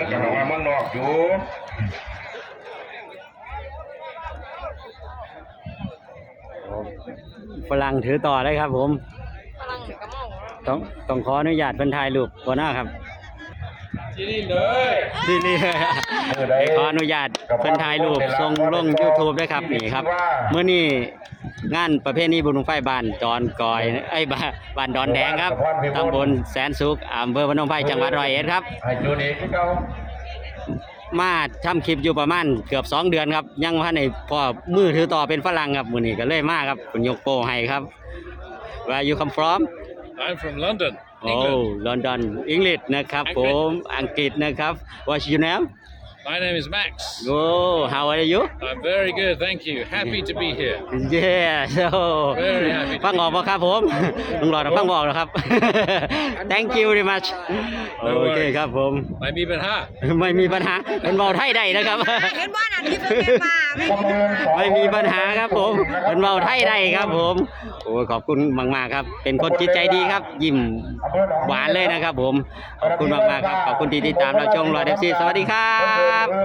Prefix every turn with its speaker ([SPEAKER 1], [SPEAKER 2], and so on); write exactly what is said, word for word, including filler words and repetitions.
[SPEAKER 1] จะลองมาเมืองนอกอยู่
[SPEAKER 2] ฝรั่งถือต่อเลยครับผมต้องต้องขออนุญาตเป็นถ่ายรูปหัวหน้าครับ
[SPEAKER 1] ที่นี่เลย
[SPEAKER 2] ที่นี่ขออนุญาตเพิ่นถ่ายรูปส่งลง YouTube ด้วยครับนี่ครับเมื่อนี้งานประเภทนี้บุญบั้งไฟบ้านดอนกอยไอ้ยบ้านดอนแดงครับตำบลแสนสุขอำเภอพนมไพรจังหวัดร้อยเอ็ดครับ
[SPEAKER 1] ให้จูนี่คือเก่า
[SPEAKER 2] มาทำคลิปอยู่ประมาณเกือบสองเดือนครับยังว่าในพ่อมือถือต่อเป็นฝรั่งครับมื้อนี้ก็เลยมาครับคุณยกโป้ให้ครับ Where you come from
[SPEAKER 3] I'm from London,
[SPEAKER 2] โอ้
[SPEAKER 3] England.
[SPEAKER 2] ลอนดอนอังกฤษนะครับผมอังกฤษนะครับ What's your name
[SPEAKER 3] My name is Max.
[SPEAKER 2] Oh how are you
[SPEAKER 3] I'm very good, thank you. Happy to be here.
[SPEAKER 2] Yeah so
[SPEAKER 3] Very happy
[SPEAKER 2] ฟังออกป่ะครับผมลุงหลอดฟังบอกนะครับ Thank you very much โอเคครับผม
[SPEAKER 3] ไม่มีปัญหา
[SPEAKER 2] ไม่มีปัญหาเป็นเบาไทยได้นะครับ
[SPEAKER 4] เห็นว่านั่นที่เป็นเมียนมาไม่
[SPEAKER 2] ไม่มีปัญหาครับผมเป็นเบาไทยได้ครับผมโอ้ขอบคุณมากๆครับ เป็นคนจิตใจดีครับ ยิ้มหวานเลยนะครับผมขอบคุณมากๆครับขอบคุณที่ติดตามเราชมรอยเดฟซีสวัสดีครับ